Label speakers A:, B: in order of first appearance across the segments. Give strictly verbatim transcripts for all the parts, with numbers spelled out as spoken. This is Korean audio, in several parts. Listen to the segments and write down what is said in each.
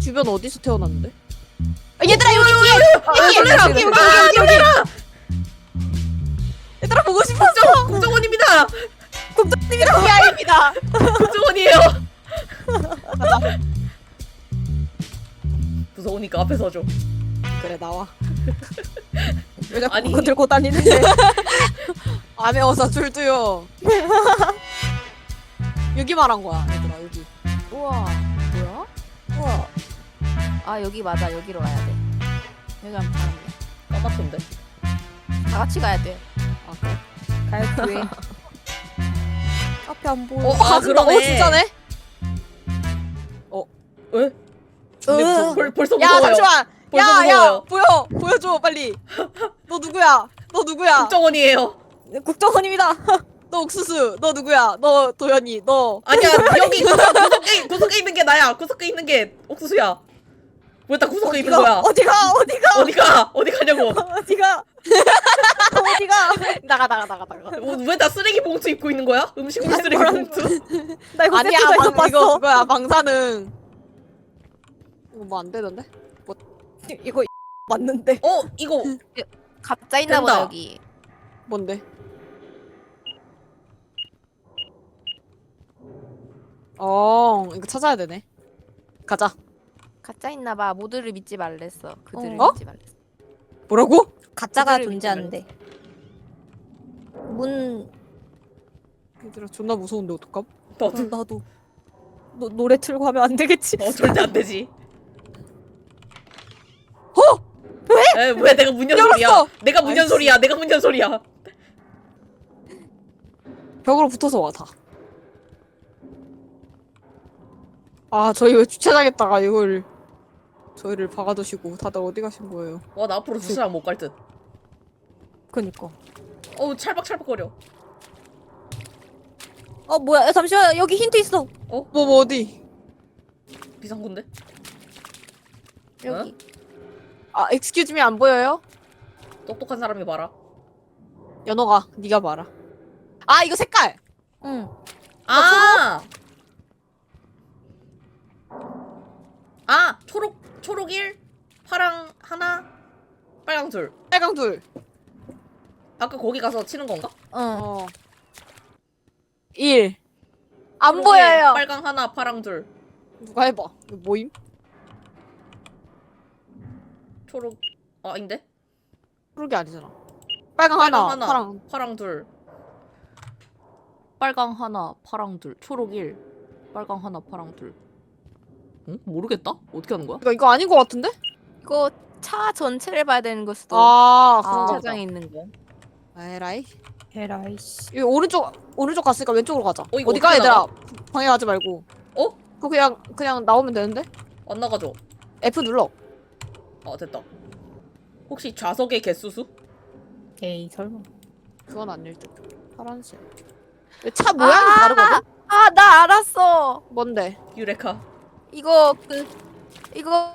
A: 주변 어디서 태어났는데? 아, 얘들아 여기 뒤에! 여기!
B: 놀래라!
A: 여기! 여기!
B: 아,
A: 여기!
B: 놀래라!
A: 얘들아 보고 싶었어!
B: 국정, 국정원입니다!
A: 국장님이랑 비아입니다.
B: 국정원이에요! 무서우니까 앞에 서줘.
A: 그래 나와. 왜 자꾸
B: 아니.
A: 그거 들고 다니는데? 안 매워서 줄도요. 여기 말한 거야 얘들아 여기.
C: 우와 뭐야? 우와 아 여기 맞아 여기로 가야 돼. 여기 가면 가면 돼.
B: 까맣던데.
C: 다 같이 가야 돼.
A: 아 그래? 가야 돼. 앞에 안 보여.
B: 어,
A: 어,
B: 아,
A: 가진다. 어
B: 그러네.
A: 진짜네?
B: 왜? 근데
A: 으.
B: 벌, 벌, 벌써
A: 야
B: 무서워요.
A: 잠시만.
B: 벌써
A: 야야
B: 무서워요.
A: 보여 보여줘 빨리. 너 누구야? 너 누구야?
B: 국정원이에요.
A: 국정원입니다. 너 옥수수. 너 누구야? 너 도현이. 너.
B: 아니야, 여기 구석, 구석에, 구석에 있는 게 나야. 구석에 있는 게 옥수수야. 왜 다 구석에 있는 거야?
A: 어디가? 어디가?
B: 어디가? 어디 가냐고?
A: 어디가? 어디가? 나가 나가 나가 나가.
B: 왜 다 쓰레기 봉투 입고 있는 거야? 음식물 쓰레기 봉투?
A: 나 이거 아니야 방, 이거 그거야 방사능. 이거 뭐 안 되던데? 뭐 이거 맞는데?
B: 어, 이거
C: 가짜 있나 보다
B: 된다.
C: 여기.
A: 뭔데? 어 이거 찾아야 되네. 가자.
C: 가짜 있나 봐. 모두를 믿지 말랬어. 그들을
A: 어?
C: 믿지 말랬어.
A: 뭐라고?
D: 가짜가
C: 그들을
D: 존재한대. 문
A: 얘들아 존나 무서운데 어떡함?
B: 너도
D: 나도 노, 노래 틀고 하면 안 되겠지?
B: 어 절대 안 되지.
A: 어?
B: 왜? 에, 왜 내가 문연 소리야?
A: 열었어!
B: 내가 문연
A: 아이씨.
B: 소리야. 내가 문연 소리야.
A: 벽으로 붙어서 와 다. 아 저희 왜 주차장에다가 이걸 저희를 박아두시고 다들 어디 가신 거예요?
B: 와, 나 앞으로 주차장 못 갈 듯.
D: 그니까.
B: 어우, 찰박찰박거려.
D: 어 뭐야? 야, 잠시만 여기 힌트 있어.
A: 뭐 뭐 어디?
B: 비상군데?
C: 여기.
A: 아 excuse me 안 보여요?
B: 똑똑한 사람이 봐라.
A: 연호가 네가 봐라. 아 이거 색깔.
D: 응.
B: 아! 아! 초록, 초록 일, 파랑 하나, 빨강 둘.
A: 빨강 둘.
B: 아까 거기 가서 치는 건가?
D: 어.
A: 어. 일. 안
B: 초록
A: 보여요.
B: 일, 빨강 하나, 파랑 둘.
A: 누가 해봐. 이거 뭐임?
B: 초록, 아, 아닌데?
A: 그러게 아니잖아. 빨강,
B: 빨강
A: 하나,
B: 하나,
A: 파랑.
B: 파랑 둘. 빨강 하나, 파랑 둘. 초록 일, 빨강 하나, 파랑 둘. 응? 모르겠다? 어떻게 하는 거야?
A: 이거 이거 아닌 것 같은데?
C: 이거 차 전체를 봐야 되는 걸 수도.
A: 아
C: 아,
A: 그런가 보다.
C: 차장에 있는 거.
A: 에라이.
D: 에라이씨.
A: 이거 오른쪽 오른쪽 갔으니까 왼쪽으로 가자.
B: 어, 이거
A: 어디 가
B: 어떻게
A: 얘들아? 방해하지 말고.
B: 어?
A: 그거 그냥 그냥 나오면 되는데?
B: 안 나가죠?
A: F 눌러.
B: 아, 됐다. 혹시 좌석의 개수수?
D: 에이 설마.
A: 그건 아닐 듯. 파란색. 근데 차 모양이
C: 아!
A: 다르거든?
C: 아 나 알았어.
A: 뭔데?
B: 유레카.
C: 이거 그 이거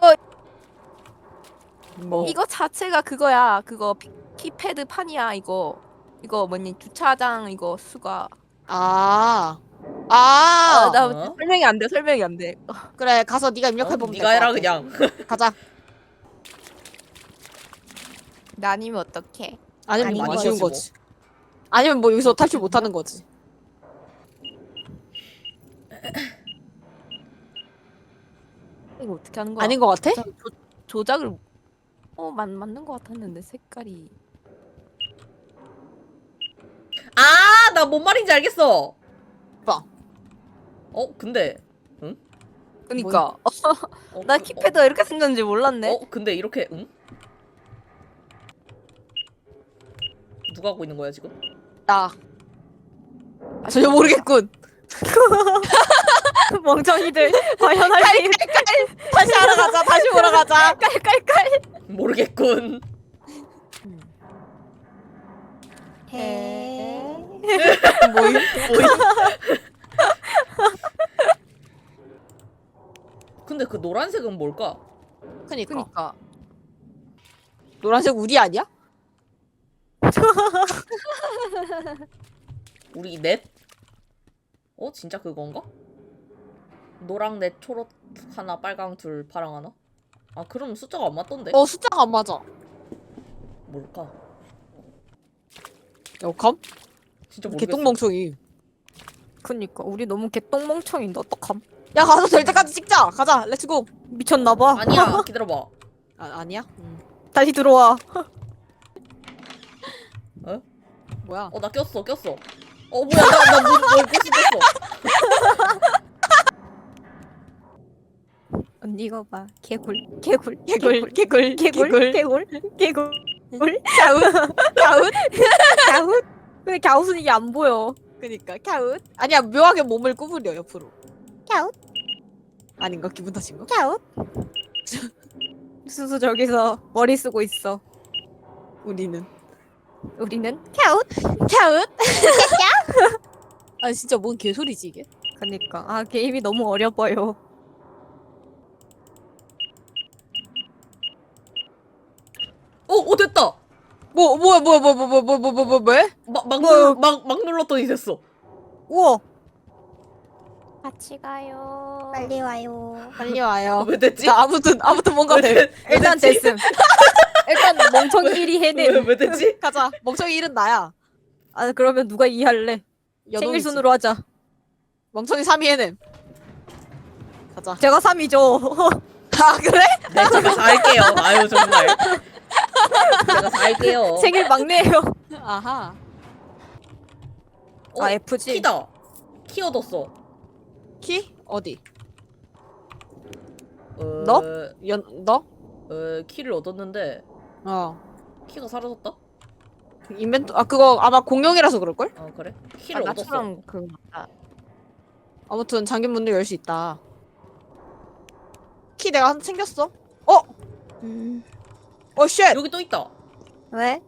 A: 뭐?
C: 이거 자체가 그거야. 그거 피, 키패드 판이야. 이거 이거 뭐니 주차장 이거 수가.
A: 아. 아.
C: 아, 나
B: 어?
C: 설명이 안 돼. 설명이 안 돼.
A: 그래 가서 네가
B: 어?
A: 입력해 보면
B: 네가 해라 그냥.
A: 가자.
C: 나 아니면 어떡해?
A: 아니면
D: 아닌
A: 뭐
B: 거지,
A: 아쉬운
B: 뭐.
A: 거지. 아니면 뭐 여기서 탈출 못 하는 거지.
C: 이거 어떻게 하는 거야?
A: 아닌 거 같아?
C: 조, 조작을 어 맞, 맞는 거 같았는데 색깔이.
B: 아, 나 뭔 말인지 알겠어.
A: 봐.
B: 어, 근데
C: 그니까
B: 어,
C: 나
B: 그-
C: 키패드가 이렇게 생겼는지 몰랐네.
B: 어, 어, 근데 이렇게 응? 누가 하고 있는 거야 지금?
A: 나. 전혀 모르겠군.
D: 멍청이들 과연 할 수 있...
A: 다시 알아가자. 다시 보러 가자.
C: 깔깔깔.
B: 모르겠군.
D: 해.
A: 뭐임?
B: 근데 그 노란색은 뭘까?
A: 그니까.
C: 그니까
A: 노란색 우리 아니야?
B: 우리 넷? 어, 진짜 그건가? 노랑 넷, 초록 하나, 빨강 둘, 파랑 하나? 아 그럼 숫자가 안 맞던데?
A: 어 숫자가 안 맞아.
B: 뭘까?
A: 여감?
B: 진짜 모르겠어.
A: 개똥멍청이.
D: 그니까 우리 너무 개똥멍청인데 어떡함?
A: 야 가서 될 때까지 찍자. 가자. 렛츠고.
D: 미쳤나봐.
B: 아니야 기다려봐.
A: 아 아니야? 응.
D: 다시 들어와.
B: 어?
A: 뭐야?
B: 어 나 꼈어 꼈어. 어 뭐야 나나뭘 꽃이 꼈어.
D: 언니 이거 봐. 개굴 개굴
A: 개굴 개굴
D: 개굴
A: 개굴.
D: 개굴 개굴
A: 갸웃 갸웃.
D: 갸웃. 근데 갸웃은 이게 안 보여.
A: 그니까 갸웃. 아니야 묘하게 몸을 구부려 옆으로.
D: 갸웃
A: 아닌가 기분 탓인가?
D: 갸웃. 수수 저기서 머리 쓰고 있어.
A: 우리는
D: 우리는 갸웃.
A: 갸웃. 아 진짜 뭔 개소리지 이게?
D: 그니까 아 게임이 너무 어려 보여.
B: 어, 어 됐다.
A: 뭐 뭐야 뭐야 뭐야 뭐야 뭐야 뭐야 뭐야 뭐?
B: 막막
A: 뭐?
B: 눌, 막, 막 눌렀더니 됐어.
A: 우와
D: 같이 가요. 빨리 와요.
A: 빨리 와요.
B: 왜 됐지?
A: 자 아무튼 아무튼 뭔가
B: 왜,
A: 돼.
B: 됐- 왜
D: 일단
B: 됐지?
D: 됐음. 일단 멍청이 일이
B: 왜,
D: 해냄.
B: 왜 됐지?
A: 가자. 멍청이 일은 나야.
D: 아 그러면 누가 이해할래?
A: 여동이지.
D: 생일 순으로 하자.
A: 멍청이 삼 위 해냄. 가자.
D: 제가 삼이죠.
A: 아 그래?
B: 네 제가 다 할게요. 아유 정말. 제가 다 할게요.
D: 생일 막내예요.
A: 아하.
B: 어,
D: 아 F지.
B: 키다. 키 얻었어.
A: 키 어디?
B: 어,
A: 너? 연 너?
B: 어, 키를 얻었는데
A: 어.
B: 키가 사라졌다?
A: 인벤토 아 그거 아마 공룡이라서 그럴 걸?
B: 어 그래?
D: 아,
B: 키를 얻었어.
D: 나처럼 그 아,
A: 아무튼 잠긴 문도 열 수 있다. 키 내가 한 챙겼어. 어?
D: 음.
A: 어 쉣.
B: 여기 또 있다.
D: 왜?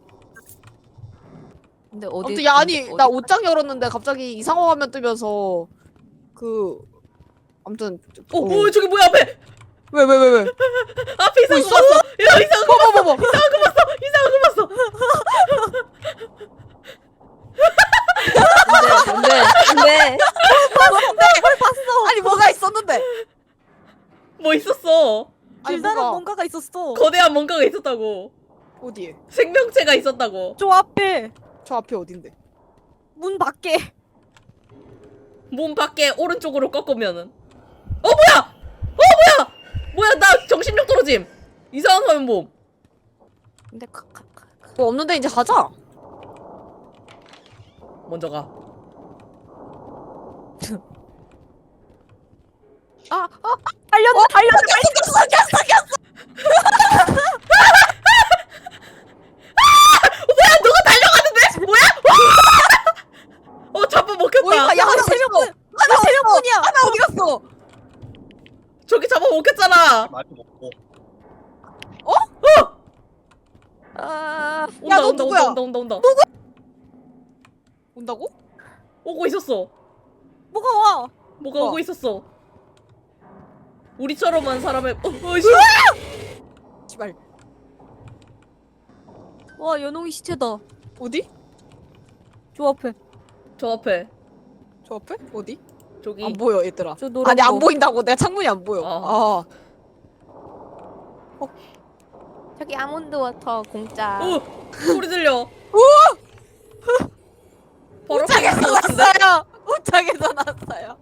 D: 근데 어디?
A: 아무튼 야 아니
D: 어디-
A: 나 옷장 열었는데 갑자기 이상한 화면 뜨면서 그 아무튼
B: 어, 어 저기 뭐야 앞에?
A: 왜 왜 왜 왜?
B: 앞에 이상한 거
A: 있어?
B: 봤어. 야 이상한 거
A: 뭐 뭐 뭐 뭐?
B: 이상한 거 봤어. 이상한 거 봤어.
D: 안돼 안돼
A: 아니 뭐가 있었는데?
B: 뭐 있었어.
A: 아니
D: 길다란
A: 뭐가
D: 뭔가가 있었어.
B: 거대한 뭔가가 있었다고.
A: 어디에?
B: 생명체가 있었다고.
D: 저 앞에
A: 저 앞에 어딘데?
D: 문 밖에.
B: 몸 밖에 오른쪽으로 꺾으면은. 어 뭐야? 어 뭐야? 뭐야 나 정신력 떨어짐. 이상한 화면 봄.
D: 근데 가, 가, 가.
A: 뭐 없는데 이제 가자.
B: 먼저 가.
A: 아, 아,
D: 달렸다 달렸다.
A: 꼈어, 꼈어, 꼈어.
B: 뭐야 누가 달려가는데? 뭐야? 어 잡아 먹혔다.
A: 뭐야? 야, 하나 세 명, 하나 세 명뿐이야. 하나 어디 갔어?
B: 저기 잡아 먹혔잖아.
E: 많이 먹고
D: 아
B: 온다
A: 야, 너
B: 온다
A: 누구야?
B: 온다 온다 온다 온다.
A: 온다고?
B: 오고 있었어.
D: 뭐가 와?
B: 뭐가
A: 우와.
B: 오고 있었어. 우리처럼 한 사람의 어, 어, 씨.
A: 씨발.
D: 와 연홍이 시체다.
A: 어디?
D: 저 앞에.
B: 저 앞에
A: 저 앞에? 어디?
B: 저기
A: 안 보여, 얘들아.
D: 저 노란
A: 아니 안
D: 거.
A: 보인다고. 내가 창문이 안 보여.
B: 아.
A: 아.
C: 저기 아몬드 워터 공짜.
B: 어 소리 들려. 바로 앞에
A: 옷장에서
B: 있는 것 같은데?
A: 났어요. 옷장에서 났어요.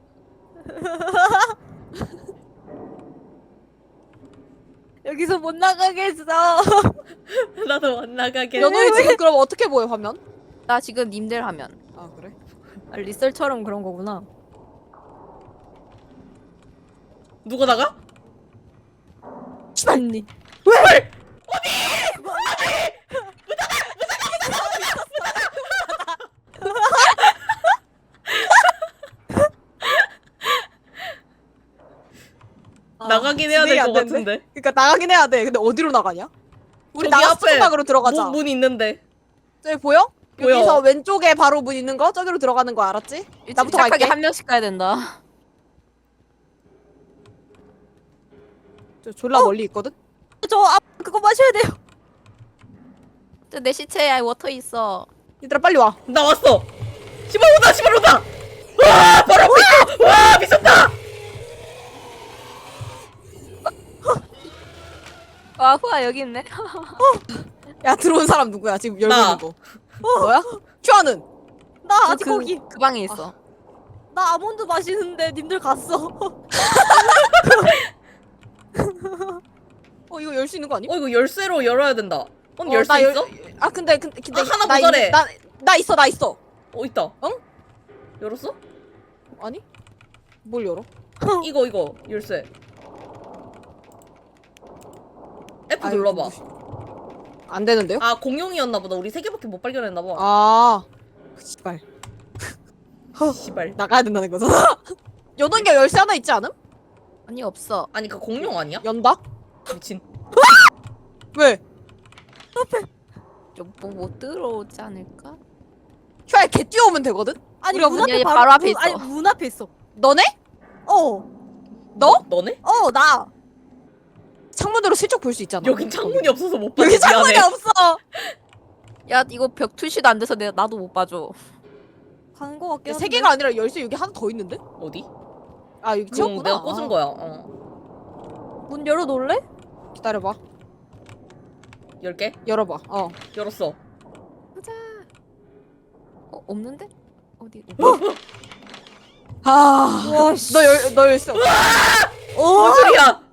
D: 여기서 못 나가겠어.
B: 나도 안 나가게.
A: 연호이 지금 그럼 어떻게 보여 화면?
C: 나 지금 님들 하면.
A: 아 그래?
D: 아, 리셀처럼 그런 거구나.
B: 누가 나가?
D: 언니.
B: 왜? 나가긴 해야 될
A: 진행이
B: 것
A: 안 된대?
B: 같은데.
A: 그러니까 나가긴 해야 돼. 근데 어디로 나가냐? 우리
B: 저기
A: 나가서
B: 앞에
A: 수박으로 들어가자.
B: 문, 문 있는데.
A: 저기 보여?
B: 보여.
A: 여기서 왼쪽에 바로 문 있는 거 저기로 들어가는 거 알았지? 나부터
C: 착하게
A: 갈게.
C: 한 명씩 가야 된다.
A: 저 졸라 멀리 있거든.
D: 저 앞 그거 마셔야 돼요.
C: 저 내 시체에 워터 있어.
A: 얘들아 빨리 와.
B: 나 왔어. 시발 온다 시발 온다. 와 바로 앞에 있어. 와 미쳤다.
C: 와 후아 여기 있네.
A: 야 들어온 사람 누구야? 지금 열고
B: 나.
A: 있는 거. 너야? 큐아는?
D: 나 아직
C: 그,
D: 거기.
C: 그 방에 있어.
D: 나 아몬드 마시는데 님들 갔어.
A: 어 이거 열 수 있는 거 아니?
B: 어 이거 열쇠로 열어야 된다. 언니 열쇠
A: 나 열-
B: 있어?
A: 아 근데 근데, 근데
B: 아, 하나
A: 나
B: 모자래.
A: 있- 나, 나 있어 나 있어.
B: 어 있다.
A: 응?
B: 열었어?
A: 아니? 뭘 열어?
B: 이거 이거 열쇠. F
A: 아이고,
B: 눌러봐.
A: 무시- 안 되는데요?
B: 아 공룡이었나 보다. 우리 세 개밖에 못 발견했나 봐.
A: 아, 씨발
B: 씨발.
A: 나가야 된다는 거잖아. 여는 게 열쇠 하나 있지 않음?
C: 아니 없어.
B: 아니 그 공룡 아니야?
A: 연다?
B: 미친.
A: 왜?
C: 좀못 들어오지 않을까?
A: 큐아에 개 뛰어오면 되거든?
D: 아니
A: 우리가
D: 문
C: 아니,
D: 앞에
C: 아니,
D: 바로,
C: 바로 앞에
D: 문-
C: 있어.
D: 아니 문 앞에 있어.
A: 너네?
D: 어.
A: 너?
B: 너네?
D: 어 나.
A: 창문으로 슬쩍 볼 수 있잖아.
B: 여긴 창문이 없어서 못 봐.
A: 여기 창문이
B: 미안해.
A: 없어.
C: 야 이거 벽 투시도 안 돼서 내가 나도 못 봐줘.
D: 간 거 같긴
A: 세
D: 한데.
A: 개가 아니라 열쇠 여기 하나 더 있는데?
B: 어디?
A: 아 여기
B: 그럼
A: 채웠구나.
B: 내가 꽂은
A: 아,
B: 거야. 어.
D: 문 열어 놓을래?
A: 기다려봐.
B: 열 개?
A: 열어봐. 어.
B: 열었어.
C: 보자. 어 없는데? 어디?
A: 아.
D: 와 씨.
A: 너 열, 너 열쇠 없어.
B: 뭔 소리야?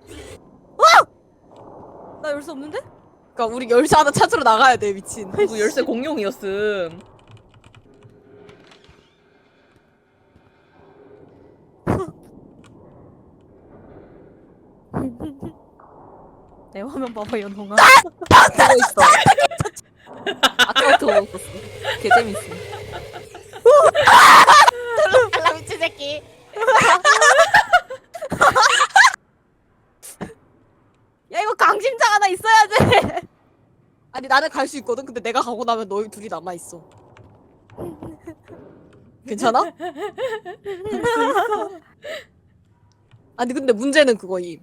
D: 나 열쇠 없는데?
A: 그러니까 우리 열쇠 하나 찾으러 나가야 돼 미친.
B: 이거 열쇠 공룡이었음.
D: 내 화면 봐봐 연홍아.
C: 보고 있어. 아까부터 보고 있었어. 개 재밌어.
A: 아 미친 새끼.
D: 야 이거 강심장 하나 있어야 돼.
A: 아니 나는 갈 수 있거든. 근데 내가 가고 나면 너희 둘이 남아 있어. 괜찮아? 아니 근데 문제는 그거임.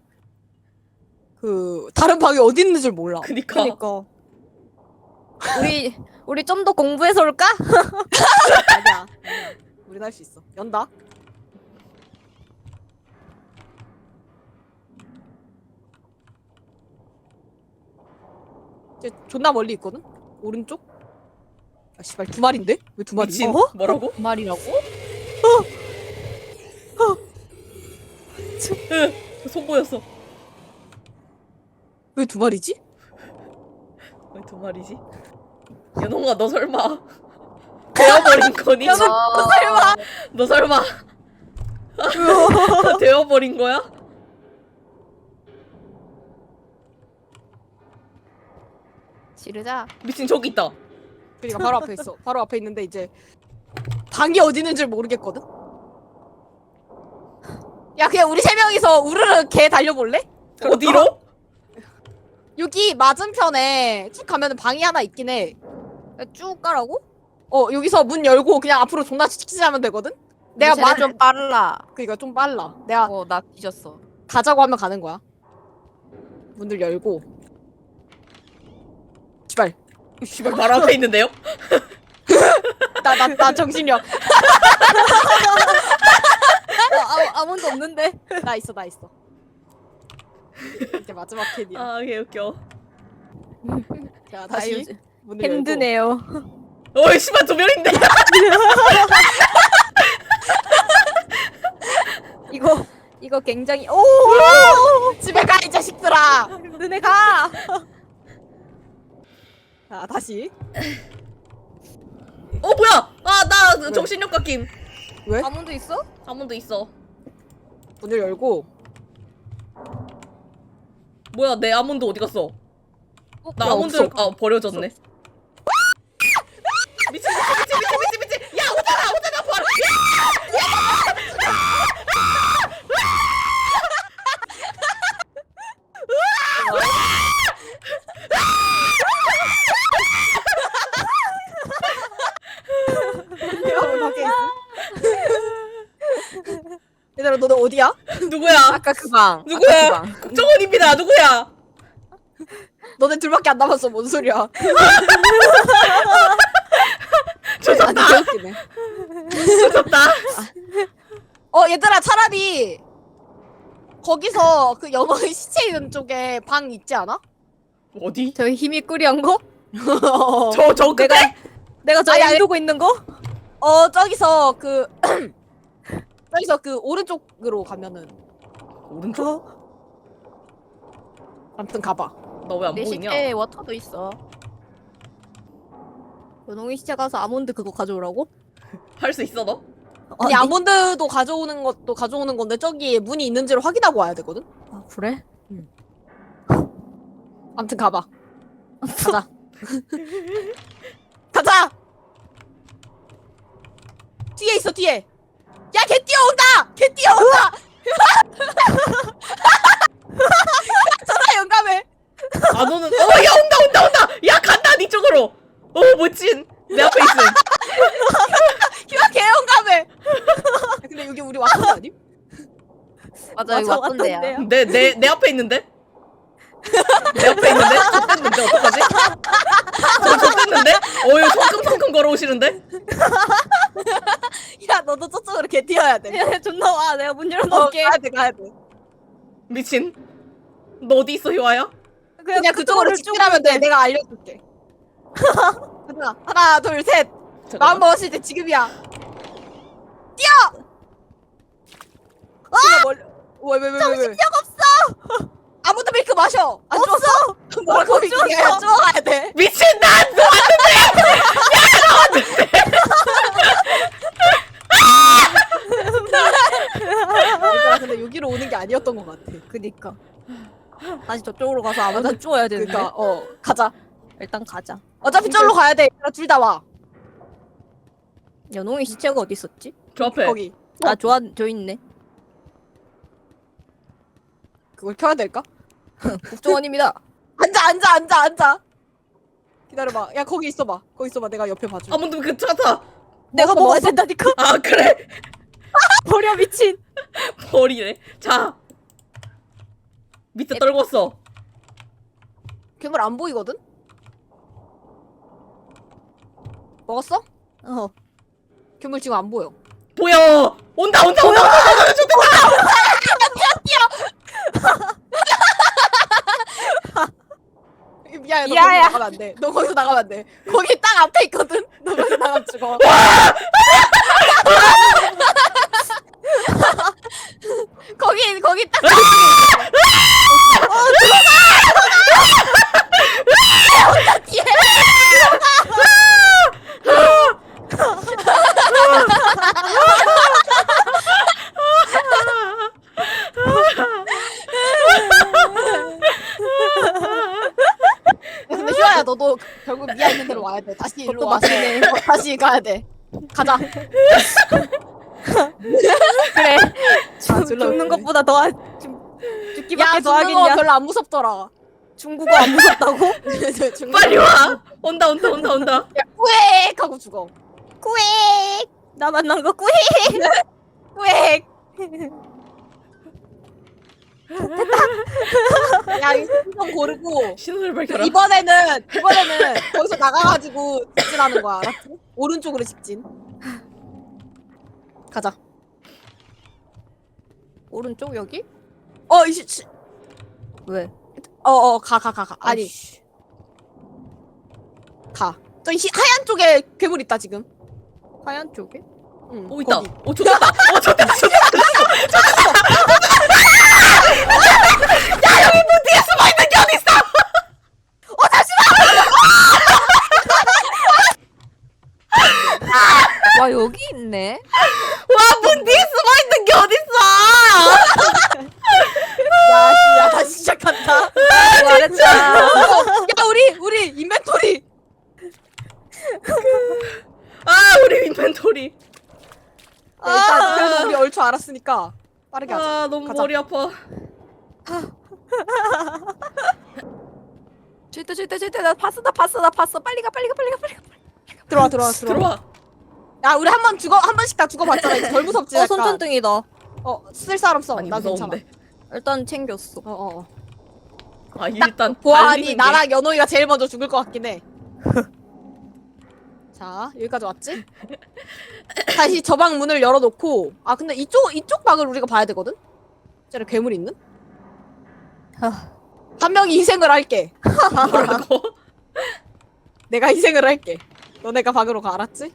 A: 그 다른 방이 어디 있는 줄 몰라.
B: 그니까.
D: 그니까. 우리 우리 좀 더 공부해서 올까?
A: 아니야. 아니야. 우린 할 수 있어. 연다. 이제 존나 멀리 있거든. 오른쪽. 아 씨발 두 마리인데? 왜 두 마리?
B: 미친.
A: 어?
B: 뭐라고?
C: 그 말이라고?
B: 으, 손 보였어.
A: 왜 두 마리지?
B: 왜 두 마리지? 연홍아 너 설마 되어버린 거니?
C: 어,
A: 설마.
B: 너 설마 되어버린 거야?
C: 지르자.
B: 미친 저기 있다.
A: 그러니까 바로 앞에 있어. 바로 앞에 있는데 이제 방이 어디 있는 줄 모르겠거든. 야 그냥 우리 세 명이서 우르르 개 달려볼래?
B: 어디로?
A: 여기 맞은편에 쭉 가면은 방이 하나 있긴 해.
D: 야, 쭉 가라고?
A: 어 여기서 문 열고 그냥 앞으로 존나 치치하면 되거든. 내가
C: 내가
A: 말
C: 좀 빨라.
A: 그러니까 좀 빨라. 내가
C: 어 나 뒤졌어.
A: 가자고 하면 가는 거야. 문을 열고. 씨발.
B: 씨발 바로 앞에 있는데요?
A: 나 나 나 정신력.
D: 아, 아, 아무도 없는데.
A: 나 있어 나 있어. 이제 마지막 캔이야.
B: 아 개웃겨.
A: 자 다시
D: 요즘
A: 문을 열고.
D: 힘드네요.
B: 어이 씨발 두 명인데.
D: 이거 이거 굉장히 오
A: 집에 가 이 자식들아.
D: 너네 가.
A: 자 다시.
B: 어 뭐야? 아 나
A: 왜?
B: 정신력 깎임.
A: 왜?
D: 아몬드 있어?
B: 아몬드 있어.
A: 문을 열고.
B: 뭐야 내 아몬드 어디 갔어?
D: 어,
B: 나
A: 야,
B: 아몬드
A: 없어.
B: 아 버려졌네. 미친 미친 미친 미친 미친 미친. 야 오잖아 오잖아 바로.
A: 여러분 밖에 있어. 얘들아 너네 어디야?
B: 누구야?
C: 아까 그 방.
B: 누구야?
C: 아까 그 방.
B: 국정원입니다. 누구야?
A: 너네 둘밖에 안 남았어. 뭔 소리야?
B: 조졌다.
A: 아니 개웃기네.
B: 조졌다.
A: 어 얘들아 차라리 거기서 그 연어의 시체 있는 쪽에 방 있지 않아?
B: 어디?
D: 저희 힘이 꾸리한 거?
B: 저 저 끝에?
D: 내가 내가 저
A: 아니, 아니.
D: 인두고 있는 거?
A: 어 저기서 그 저기서 그 오른쪽으로 가면은
B: 오른쪽?
A: 아무튼 가봐.
B: 나 왜 안
C: 내
B: 보이냐?
C: 시체에 워터도 있어.
D: 연홍이 시체 가서 아몬드 그거 가져오라고?
B: 할 수 있어 너?
A: 아니 아몬드도 가져오는 것도 가져오는 건데 저기 문이 있는지를 확인하고 와야 되거든.
D: 아 그래?
A: 아무튼 가봐. 가자. 가자. 뒤에 있어 뒤에. 야 개 뛰어온다. 개 뛰어온다. 전화 용감해.
B: 안 오는. 어야 온다 온다 온다. 야 간다 니 쪽으로. 어 멋진. 내 앞에 있음.
A: 휴가 개 용감해. 근데 여기 우리 왔던 거 아님?
C: 맞아 여기
D: 맞아,
C: 왔던데야.
D: 왔던데요.
B: 내 내 내 앞에 있는데? 내 앞에 있는데? 좆됐는데 어떡하지? 저 좆됐는데? 어유 성큼성큼 걸어오시는데?
A: 야 너도 저쪽으로 개 뛰어야 돼.
D: 야 존나 와 내가 문
A: 어,
D: 열어놓을게.
A: 가야 돼 가야 돼.
B: 미친. 너 어디 있어 효아야?
A: 그냥 그쪽으로 직진하면 돼. 내가 알려줄게. 하나, 하나, 둘, 셋. 마음 먹었을 때 지금이야. 뛰어! 아! 왜, 왜, 왜, 왜, 정신력 없어! 아무도 밀크 마셔! 안 없어! 뭐라고 이게 쪼가야 돼.
B: 미친 난 놓았는데!
A: 얘들아, 근데 여기로 오는 게 아니었던 것 같아.
D: 그니까. 다시 저쪽으로 가서 아몬드 쪼아야 되는데.
A: 그니까, 어, 가자.
D: 일단 가자.
A: 어차피 절로 가야 돼. 둘 다 와.
D: 연홍이 시체가 어디 있었지?
B: 저 앞에.
A: 거기.
D: 아 좋아 저 있네.
A: 그걸 켜야 될까?
D: 국정원입니다.
A: 앉아, 앉아, 앉아, 앉아. 기다려봐. 야, 거기 있어봐. 거기 있어봐. 내가 옆에 봐줘.
B: 아무도 그 차타.
D: 내가
A: 먹었어,
D: 먹어야
A: 먹었어.
D: 된다니까.
B: 아 그래.
D: 버려 미친.
B: 버리네. 자. 밑에 떨궜어.
A: 괴물 안 보이거든? 먹었어?
D: 어.
A: 괴물 지금 안 보여.
B: 보여. 온다 온다 온다 온다 온다 온다 온다.
A: 미안해, 너
D: 야야.
A: 거기서 나가면 안 돼. 너 거기서 나가면 안 돼. 거기 딱 앞에 있거든? 너 거기서 나가면 죽어. 거기, 거기 딱 앞에 있어. 어, 들어가! 혼자 뒤에! 근데 휴아야, 너도 결국 미아 있는 데로 와야 돼. 다시 일로 와서. 어, 다시 가야 돼. 가자.
D: 그래.
A: 아,
D: 죽, 죽는 것보다 더 하- 죽, 죽기밖에
A: 야,
D: 더
A: 죽는 거
D: 하겠냐?
A: 별로 안 무섭더라.
D: 중국어 안 무섭다고?
A: 죽는
B: 빨리
A: 거-
B: 와. 온다 온다 온다 온다.
A: 야, 꾸액! 하고 죽어.
D: 꾸익. 나 만난 거 꾸익.
A: 꾸액! 야, 이거 좀 고르고.
B: 신호를 밝혀라.
A: 이번에는, 이번에는 거기서 나가가지고 직진하는 거야, 알았지? 오른쪽으로 직진. 가자.
D: 오른쪽 여기?
A: 어, 이씨, 씨.
D: 왜?
A: 어, 어, 가, 가, 가, 가. 아니,
D: 아이씨.
A: 가. 저기 히- 하얀 쪽에 괴물 있다, 지금.
D: 하얀 쪽에?
A: 응,
B: 오 있다.
A: 거기.
B: 오 좋겠다. 어 좋겠다. 좋겠다. 야 여기 문 뒤에 숨어 있는 게 어디 있어?
D: 와 여기 있네.
B: 와 문 뒤에 숨어 있는 게 어디 있어?
A: 야, 씨, 야, 다시 시작한다.
D: 잘했다.
A: 야, 우리, 우리, 인벤토리.
B: 아 우리 인벤토리.
A: 야, 일단, 그래도 우리 얼추 알았으니까 빠르게 하자.
B: 아 너무
A: 가자.
B: 머리 아파.
D: 절대 절대 절대 나 봤어 나 봤어 나 봤어 빨리 가 빨리 가 빨리 가 빨리 가.
A: 들어와, 들어와, 들어와.
B: 들어와.
A: 야, 우리 한 번 죽어, 한 번씩 다 죽어봤잖아. 이제 덜 무섭지?
D: 어
A: 약간.
D: 손전등이다.
A: 어, 쓸 사람 써.
B: 많이
A: 나 괜찮아.
B: 무서운데.
D: 일단 챙겼어.
A: 어, 어, 어.
B: 아 일단
A: 보아하니
B: 달리는 게-
A: 나랑 연호이가 제일 먼저 죽을 것 같긴 해. 자, 여기까지 왔지? 다시 저 방 문을 열어놓고. 아, 근데 이쪽, 이쪽 방을 우리가 봐야 되거든? 저기 괴물 있는? 한 명이 희생을 할게.
B: 뭐라고?
A: 내가 희생을 할게. 너네가 방으로 가, 알았지?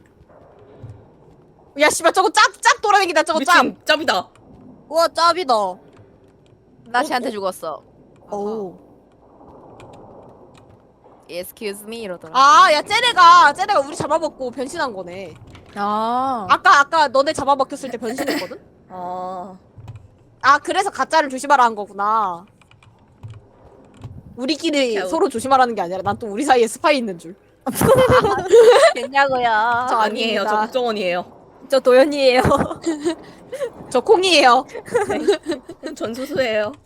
A: 야 씨발 저거 짭짭 돌아다니다 저거 짭.
B: 미친 짭이다.
D: 우와 짭이다.
C: 나 쟤한테 죽었어.
A: 어우.
C: Excuse me 이러더라.
A: 아, 야 쟤네가 쟤네가 우리 잡아먹고 변신한 거네.
D: 아.
A: 아까 아까 너네 잡아먹혔을 때 변신했거든?
B: 아
A: 아 그래서 가짜를 조심하라 한 거구나. 우리끼리
B: 야,
A: 서로 조심하라는 게 아니라 난 또 우리 사이에 스파이 있는 줄.
C: 됐냐고요.
A: 저
B: 아니에요. 저
A: 아닙니다.
B: 국정원이에요.
D: 저 도연이에요.
A: 저 콩이에요.
B: 전수수예요.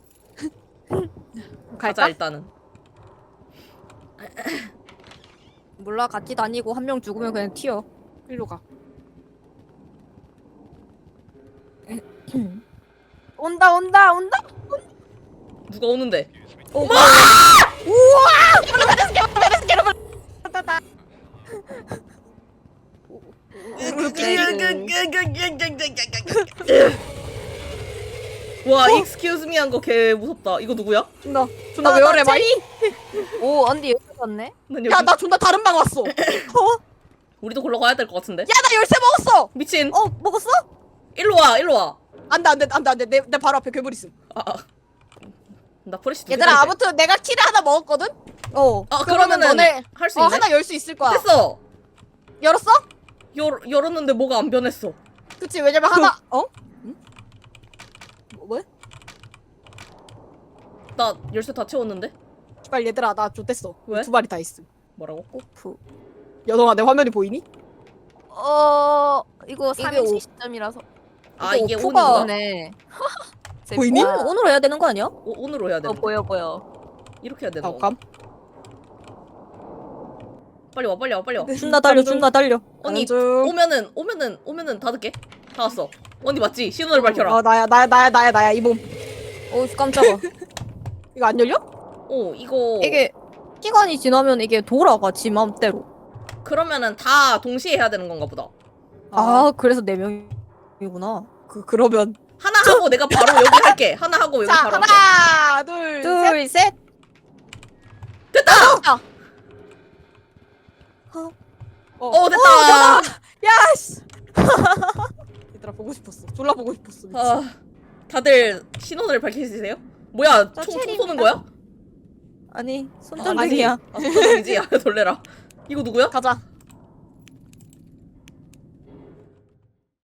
B: 가자
A: 갈까?
B: 일단은.
D: 몰라 같이 다니고 한 명 죽으면 그냥 튀어.
A: 일로 가.
C: 온다 온다 온다.
B: 누가 오는데?
A: 오, 우와!
B: 와, excuse me 한 거 개 무섭다. 이거 누구야?
A: 존나 존나 왜 그래 마이?
C: 오 언니 여기 왔네.
B: 난 여기
A: 야 나 존나 다른 방 왔어. 어?
B: 우리도 걸러 가야 될 것 같은데.
A: 야 나 열쇠 먹었어.
B: 미친.
A: 어 먹었어?
B: 일로 와, 일로 와.
A: 안돼 안돼 안돼 안돼 내, 내 바로 앞에 괴물 있음.
B: 아, 아. 나 프레시 두
A: 얘들아
B: 개인데.
A: 아무튼 내가 키를 하나 먹었거든. 어.
B: 아,
A: 그러면
B: 그러면은
A: 너네
B: 할 수
A: 어
B: 있네.
A: 하나 열 수 있을 거야.
B: 됐어.
A: 열었어?
B: 열 열었는데 뭐가 안 변했어.
A: 그치 왜냐면 하나 어? 응? 뭐 왜?
B: 나 열쇠 다 채웠는데.
A: 빨리 얘들아 나 좆됐어.
B: 왜?
A: 두 마리 다 있음.
B: 뭐라고?
D: 오프.
A: 여동아 내 화면이 보이니?
C: 어 이거
D: 이게
C: 삼행시
D: 오-
C: 시점이라서.
B: 아, 이게
D: 오프가
B: 온인가?
C: 네.
A: 보이니?
D: 오늘 오늘 해야 되는 거 아니야?
B: 오, 온으로 해야 돼.
C: 어 보여 보여.
B: 이렇게 해야 되는
A: 아
B: 거.
A: 감.
B: 빨리 와, 빨리 와, 빨리 와.
D: 준나 달려 준나 달려.
B: 언니
A: 중.
B: 오면은 오면은 오면은 닫을게. 다 왔어. 언니 맞지? 신호를 밝혀라.
A: 어 나야 나야 나야 나야 나야 이 몸.
D: 오 깜짝아.
A: 이거 안 열려?
B: 어, 이거
D: 이게 시간이 지나면 이게 돌아가 지 맘대로.
B: 그러면은 다 동시에 해야 되는 건가 보다.
D: 아 그래서 네 명이구나.
A: 그 그러면
B: 하나 하고 내가 바로 여기 할게. 하나 하고 여기
A: 자
B: 바로 할게.
A: 하나 둘, 셋.
D: 둘 셋.
B: 됐다.
A: 어,
B: 어, 됐다.
A: 야씨. 얘들아 보고 싶었어. 졸라 보고 싶었어. 미친.
B: 아, 다들 신호를 밝히시세요? 뭐야?
D: 저
B: 총, 총
D: 체리입니다.
B: 쏘는 거야?
D: 아니
B: 아,
D: 손전등이야.
B: 아니지. 아, 손전등이지. 야, 놀래라. 이거 누구야?
A: 가자.